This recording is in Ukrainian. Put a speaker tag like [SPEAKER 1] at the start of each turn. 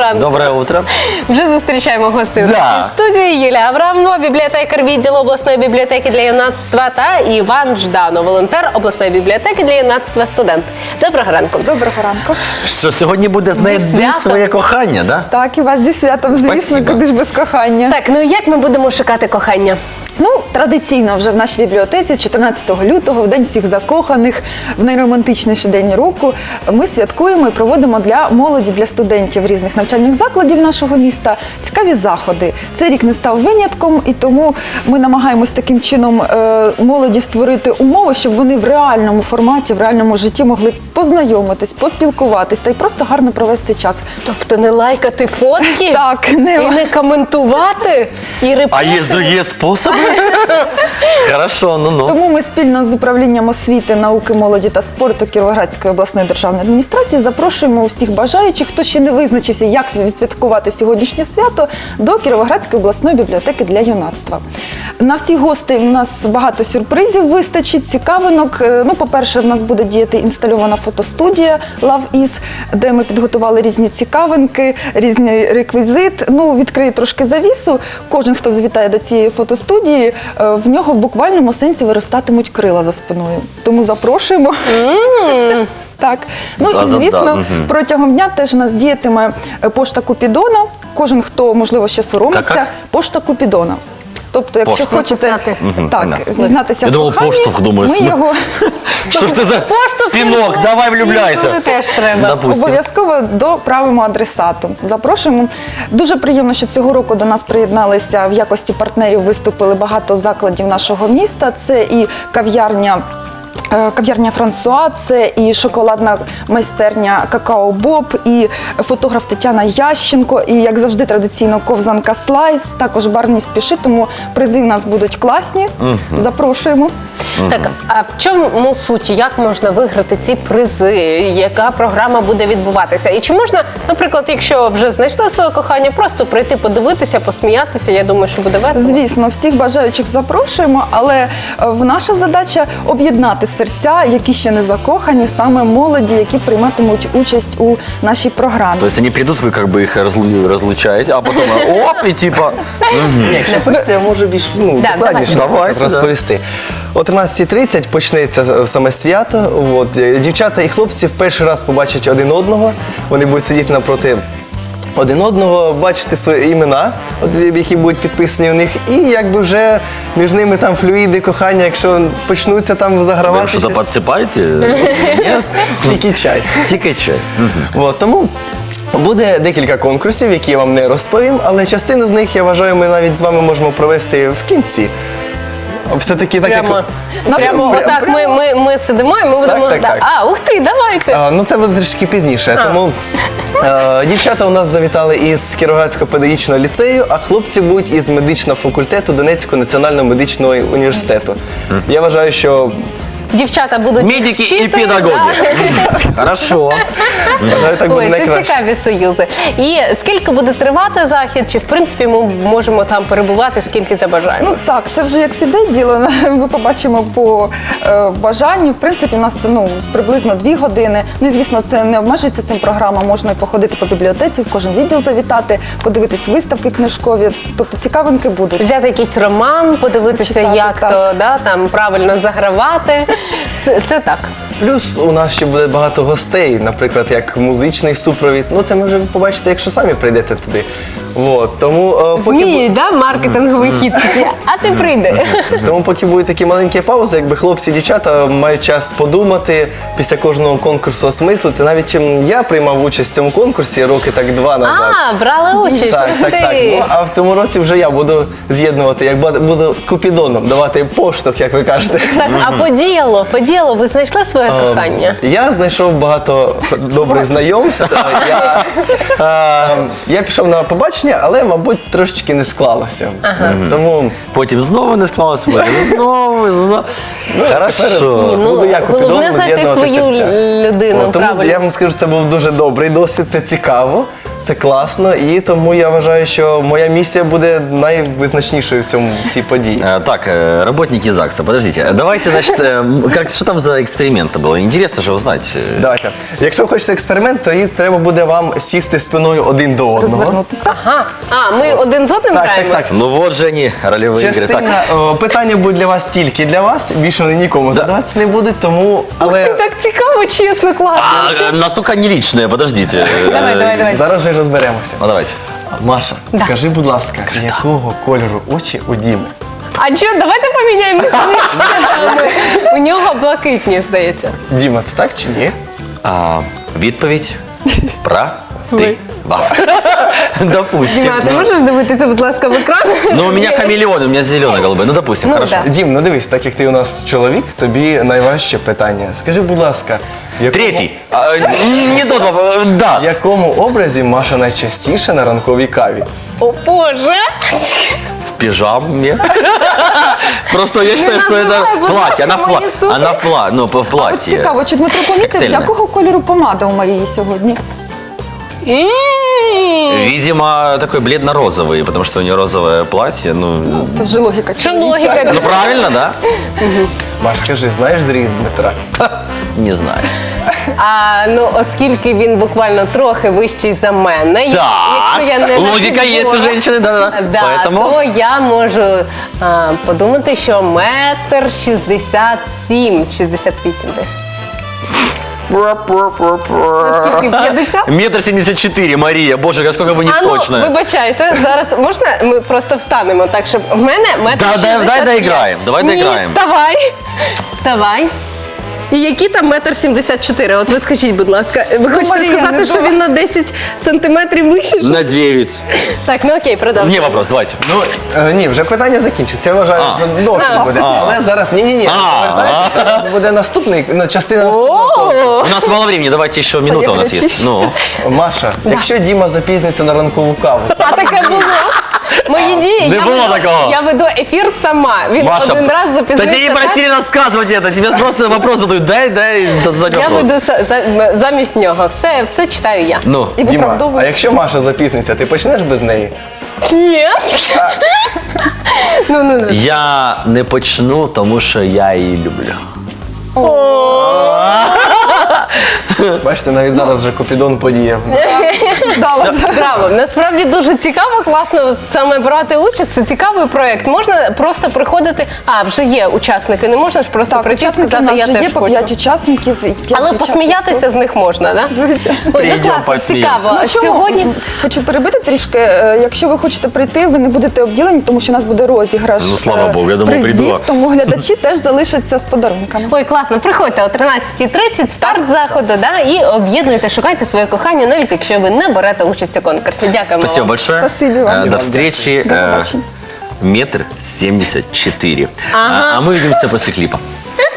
[SPEAKER 1] ранку.
[SPEAKER 2] Доброе утро.
[SPEAKER 1] Вже зустрічаємо гостей у
[SPEAKER 2] Да.
[SPEAKER 1] нашій студії. Юлія Аврамова, бібліотекар відділу обласної бібліотеки для юнацтва, та Іван Жданов, волонтер обласної бібліотеки для юнацтва, студент. Доброго ранку.
[SPEAKER 3] Доброго ранку.
[SPEAKER 2] Що сьогодні буде знайти
[SPEAKER 1] святом.
[SPEAKER 2] своє кохання, да?
[SPEAKER 3] Так, і вас зі святом, звісно,
[SPEAKER 2] Спасибо.
[SPEAKER 3] куди ж без кохання.
[SPEAKER 1] Так, ну як ми будемо шукати кохання?
[SPEAKER 3] Ну, традиційно вже в нашій бібліотеці 14 лютого, в День всіх закоханих, в найромантичніший день року, ми святкуємо і проводимо для молоді, для студентів різних навчальних закладів нашого міста цікаві заходи. Цей рік не став винятком, і тому ми намагаємось таким чином молоді створити умови, щоб вони в реальному форматі, в реальному житті могли познайомитись, поспілкуватись та й просто гарно провести час.
[SPEAKER 1] Тобто не лайкати фотки?
[SPEAKER 3] Так,
[SPEAKER 1] І не коментувати? І
[SPEAKER 2] А є другі способи? Хорошо, ну-ну.
[SPEAKER 3] Тому ми спільно з управлінням освіти, науки, молоді та спорту Кіровоградської обласної державної адміністрації запрошуємо всіх бажаючих, хто ще не визначився, як відсвяткувати сьогоднішнє свято, до Кіровоградської обласної бібліотеки для юнацтва. На всіх гостей у нас багато сюрпризів вистачить, цікавинок. Ну, по-перше, в нас буде діяти інстальована фотостудія Love Is, де ми підготували різні цікавинки, різний реквізит. Ну, відкрию трошки завісу. Кожен, хто завітає до цієї фотостудії, в нього в буквальному сенсі виростатимуть крила за спиною. Тому запрошуємо. Так. Ну і,
[SPEAKER 2] Зразу,
[SPEAKER 3] звісно,
[SPEAKER 2] да.
[SPEAKER 3] протягом дня теж у нас діятиме пошта Купідона. Кожен, хто, можливо, ще соромиться,
[SPEAKER 2] Як?
[SPEAKER 3] пошта Купідона. Тобто, якщо
[SPEAKER 2] Пошта.
[SPEAKER 3] хочете
[SPEAKER 1] Написати.
[SPEAKER 3] так,
[SPEAKER 2] понятно.
[SPEAKER 3] зізнатися
[SPEAKER 2] Я
[SPEAKER 3] в
[SPEAKER 2] думав,
[SPEAKER 3] коханні,
[SPEAKER 2] поштовх, думаю,
[SPEAKER 3] ми його
[SPEAKER 2] Що ж це за
[SPEAKER 1] Поштовх
[SPEAKER 2] пінок?
[SPEAKER 1] не
[SPEAKER 2] Давай
[SPEAKER 1] Інколи
[SPEAKER 2] влюбляйся.
[SPEAKER 1] теж треба.
[SPEAKER 2] Допустим.
[SPEAKER 3] обов'язково доправимо адресату. Запрошуємо. Дуже приємно, що цього року до нас приєдналися в якості партнерів, виступили багато закладів нашого міста. Це і кав'ярня Франсуа, це і шоколадна майстерня Какао Боб, і фотограф Тетяна Ященко, і, як завжди, традиційно ковзанка Слайс, також бар не спіши, тому призи в нас будуть класні. Запрошуємо.
[SPEAKER 1] Так, а в чому суть? Як можна виграти ці призи? Яка програма буде відбуватися? І чи можна, наприклад, якщо вже знайшли своє кохання, просто прийти подивитися, посміятися? Я думаю, що буде весело.
[SPEAKER 3] Звісно, всіх бажаючих запрошуємо, але наша задача – об'єднати серця, які ще не закохані, саме молоді, які прийматимуть участь у нашій програмі.
[SPEAKER 2] То есть они придут, вы как бы их разлучаете, а потом оп, и типа...
[SPEAKER 4] Якщо хочете, я можу більш
[SPEAKER 1] Да,
[SPEAKER 4] докладніше
[SPEAKER 2] давайте.
[SPEAKER 4] розповісти. О 13:30 почнеться саме свято. От, дівчата і хлопці в перший раз побачать один одного. Вони будуть сидіти напроти один одного, бачити свої імена, які будуть підписані у них, і якби вже між ними там флюїди, кохання, якщо почнуться там
[SPEAKER 2] Вы
[SPEAKER 4] загравати
[SPEAKER 2] что-то
[SPEAKER 4] щось,
[SPEAKER 2] подсыпаете? Нет?
[SPEAKER 4] тільки чай.
[SPEAKER 2] Тільки чай.
[SPEAKER 4] От, тому буде декілька конкурсів, які я вам не розповім, але частину з них, я вважаю, ми навіть з вами можемо провести в кінці. Все-таки так,
[SPEAKER 1] Прямо,
[SPEAKER 4] як...
[SPEAKER 1] прямо отак ми сидимо і ми будемо...
[SPEAKER 4] так, так.
[SPEAKER 1] А, ух ти, давайте!
[SPEAKER 4] Ну, це буде трішки пізніше. Тому дівчата у нас завітали із Кіровоградського педагогічного ліцею, а хлопці будуть із медичного факультету Донецького національного медичного університету. Я вважаю, що
[SPEAKER 1] Дівчата будуть їх
[SPEAKER 2] Медики
[SPEAKER 1] вчити,
[SPEAKER 2] і педагоги.
[SPEAKER 1] да.
[SPEAKER 2] Хорошо.
[SPEAKER 4] вважаю, так буде
[SPEAKER 1] Ой, це
[SPEAKER 4] найкраще.
[SPEAKER 1] цікаві союзи. І скільки буде тривати захід? Чи в принципі ми можемо там перебувати, скільки забажаємо?
[SPEAKER 3] Ну так, це вже як піде діло, ми побачимо по бажанню. В принципі, у нас це приблизно 2 години. Ну і звісно, це не обмежується цим програма. Можна і походити по бібліотеці, в кожен відділ завітати, подивитись виставки книжкові. Тобто цікавинки будуть.
[SPEAKER 1] Взяти якийсь роман, подивитися,
[SPEAKER 3] Почитати,
[SPEAKER 1] як
[SPEAKER 3] так.
[SPEAKER 1] то там правильно загравати. Це так.
[SPEAKER 4] Плюс у нас ще буде багато гостей, наприклад, як музичний супровід. Ну, це ми вже побачите, якщо самі прийдете туди. От, тому,
[SPEAKER 1] Вміють, да, маркетинговий хід такий, а ти прийди.
[SPEAKER 4] Тому поки будуть такі маленькі паузи, якби хлопці і дівчата мають час подумати, після кожного конкурсу осмислити. Навіть я приймав участь в цьому конкурсі роки так 2 назад.
[SPEAKER 1] А, брали участь,
[SPEAKER 4] Так,
[SPEAKER 1] ух
[SPEAKER 4] так, так.
[SPEAKER 1] ти.
[SPEAKER 4] Ну, а в цьому році вже я буду з'єднувати, як буду купідоном, давати поштовх, як ви кажете.
[SPEAKER 1] Так, а по ділу, ви знайшли своє кохання?
[SPEAKER 4] Я знайшов багато добрих знайомств. Я пішов на побачення, але, мабуть, трошечки не склалося. Тому
[SPEAKER 2] Потім знову не склалося, потім знову. Хорошо.
[SPEAKER 4] буду я купідоном
[SPEAKER 1] Головне знайти
[SPEAKER 4] з'єднувати
[SPEAKER 1] свою
[SPEAKER 4] серця.
[SPEAKER 1] людину,
[SPEAKER 4] Тому
[SPEAKER 1] правильно.
[SPEAKER 4] я вам скажу, це був дуже добрий досвід, це цікаво. це класно, і тому я вважаю, що моя місія буде найвизначнішою в цьому всій події.
[SPEAKER 2] Так, работники ЗАГСа, подождите. Давайте, значит, что там за эксперимент было? Интересно же узнать.
[SPEAKER 4] Давайте. Якщо ви хочете експеримент, то треба буде вам сісти спиною один до одного.
[SPEAKER 3] Розвернутися.
[SPEAKER 1] Ага. А, ми один з одним
[SPEAKER 4] Так,
[SPEAKER 1] граємо?
[SPEAKER 4] так, так.
[SPEAKER 2] Ну вот же они, ролевые игры. Так,
[SPEAKER 4] Частина питання будуть для вас тільки для вас, більше вони нікому задаватися не будуть, тому. Але
[SPEAKER 1] Так цікаво, чесно, класно.
[SPEAKER 2] настолько не личные, подождите.
[SPEAKER 1] Давай.
[SPEAKER 4] зараз вже розберемося.
[SPEAKER 2] Ну давайте.
[SPEAKER 4] Маша,
[SPEAKER 1] Да.
[SPEAKER 4] скажи, будь ласка, якого кольору очі у Діми?
[SPEAKER 1] А що, давайте поміняємося місцями. У нього блакитні, здається.
[SPEAKER 4] Діма, це так чи ні?
[SPEAKER 2] Відповідь правдива. Допустим.
[SPEAKER 1] Діма, а ти можеш дивитися, будь ласка, в екран?
[SPEAKER 2] Ну, у меня хамелеон, у меня зеленый-голубой. Ну, допустим,
[SPEAKER 1] Ну,
[SPEAKER 2] хорошо.
[SPEAKER 1] да.
[SPEAKER 4] Дім, ну дивись, так як ти у нас чоловік, тобі найважче питання. Скажи, будь ласка,
[SPEAKER 2] Третий. Не тот вопрос. Да.
[SPEAKER 4] В якому образі Маша найчастіше на ранковій каві?
[SPEAKER 1] О, Боже!
[SPEAKER 2] В пижаме. Просто я считаю, что
[SPEAKER 1] называй,
[SPEAKER 2] это
[SPEAKER 1] будь
[SPEAKER 2] платье.
[SPEAKER 1] ласка, мої сумки.
[SPEAKER 2] Она в
[SPEAKER 3] От
[SPEAKER 2] платье.
[SPEAKER 3] цікаво, чи Дмитро помітив,
[SPEAKER 2] Коктейльне.
[SPEAKER 3] якого кольору помада у Марії сьогодні?
[SPEAKER 2] Видимо, такой бледно-розовый, потому что у нее розовое платье. Ну,
[SPEAKER 3] Це вже логіка.
[SPEAKER 1] Це
[SPEAKER 3] чоловіча.
[SPEAKER 1] логіка.
[SPEAKER 2] ну правильно, да?
[SPEAKER 4] Маш, скажи, знаєш зріст Дмитра?
[SPEAKER 2] Не знаю.
[SPEAKER 1] Ну, оскільки він буквально трохи вищий за мене, якщо я не
[SPEAKER 2] логика есть у
[SPEAKER 1] нахибула,
[SPEAKER 2] женщины, да.
[SPEAKER 1] Да,
[SPEAKER 2] Поэтому...
[SPEAKER 1] то я можу подумати, що 1,67 68 десь. Скільки, 50?
[SPEAKER 2] 1,74 м, Мария. Боже, сколько вы не
[SPEAKER 1] А ну,
[SPEAKER 2] точно.
[SPEAKER 1] вибачайте, зараз можна ми просто встанемо так, щоб в мене 1,65
[SPEAKER 2] Дай доіграємо, давай
[SPEAKER 1] Ні,
[SPEAKER 2] доіграємо.
[SPEAKER 1] Вставай. І які там 1,74 От ви скажіть, будь ласка, ви хочете
[SPEAKER 3] Марія,
[SPEAKER 1] сказати,
[SPEAKER 3] не
[SPEAKER 1] що
[SPEAKER 3] думай.
[SPEAKER 1] він на 10 сантиметрів вищий?
[SPEAKER 2] На 9.
[SPEAKER 1] Так, ну окей, продовжуємо.
[SPEAKER 2] Мне вопрос, давайте.
[SPEAKER 4] Ну, ні, вже питання закінчиться. Я вважаю, що досить буде. Але зараз, ні. Зараз буде наступний, частина наступного конкурсу.
[SPEAKER 2] У нас мало времени, давайте еще минута у нас есть. Ну,
[SPEAKER 4] Маша, якщо Діма запізниться на ранкову каву,
[SPEAKER 1] А таке було. Мої дії,
[SPEAKER 2] Не було такого.
[SPEAKER 1] я веду ефір сама. Він
[SPEAKER 2] Маша,
[SPEAKER 1] один раз
[SPEAKER 2] да
[SPEAKER 1] запізнився.
[SPEAKER 2] тебе не
[SPEAKER 1] так,
[SPEAKER 2] просили рассказывать это, тебе просто вопрос задают, дай задать
[SPEAKER 1] я
[SPEAKER 2] вопрос.
[SPEAKER 1] веду замість нього. Все читаю я.
[SPEAKER 2] Ну,
[SPEAKER 3] І
[SPEAKER 4] Діма, а
[SPEAKER 3] виправдовує.
[SPEAKER 4] якщо Маша запізниться, ти почнеш без неї?
[SPEAKER 1] Ні. Ну.
[SPEAKER 2] я не почну, тому що я її люблю.
[SPEAKER 4] Бачите, навіть зараз вже Купідон подіяв.
[SPEAKER 3] Дала.
[SPEAKER 1] Браво! Насправді дуже цікаво, класно саме брати участь. Це цікавий проєкт. Можна просто приходити. Вже є учасники. Не можна ж просто прийти і
[SPEAKER 3] учасники
[SPEAKER 1] сказати,
[SPEAKER 3] в нас
[SPEAKER 1] я
[SPEAKER 3] вже
[SPEAKER 1] теж
[SPEAKER 3] є по
[SPEAKER 1] хочу.
[SPEAKER 3] 5 учасників. І 5
[SPEAKER 1] Але
[SPEAKER 3] дівчат.
[SPEAKER 1] посміятися з них можна, так?
[SPEAKER 3] Звичайно.
[SPEAKER 1] Ой, ну
[SPEAKER 2] Прийдемо,
[SPEAKER 1] класно,
[SPEAKER 2] посміємося.
[SPEAKER 1] цікаво.
[SPEAKER 3] Ну, чому?
[SPEAKER 1] Сьогодні
[SPEAKER 3] Хочу перебити трішки. Якщо ви хочете прийти, ви не будете обділені, тому що у нас буде розіграш
[SPEAKER 2] Ну, слава Богу, я думав,
[SPEAKER 3] призів,
[SPEAKER 2] прийду.
[SPEAKER 3] тому глядачі теж залишаться з подарунками.
[SPEAKER 1] Ой, класно, приходьте о 13:30, старт заходу, і об'єднуйте, шукайте своє кохання, навіть якщо ви не берете участь у конкурсі. Дякуємо
[SPEAKER 2] Спасибо
[SPEAKER 1] вам.
[SPEAKER 2] большое.
[SPEAKER 3] Спасибо вам.
[SPEAKER 2] До встречи.
[SPEAKER 3] До побачення.
[SPEAKER 2] 1,74 м.
[SPEAKER 1] Ага.
[SPEAKER 2] А мы увидимся после клипа.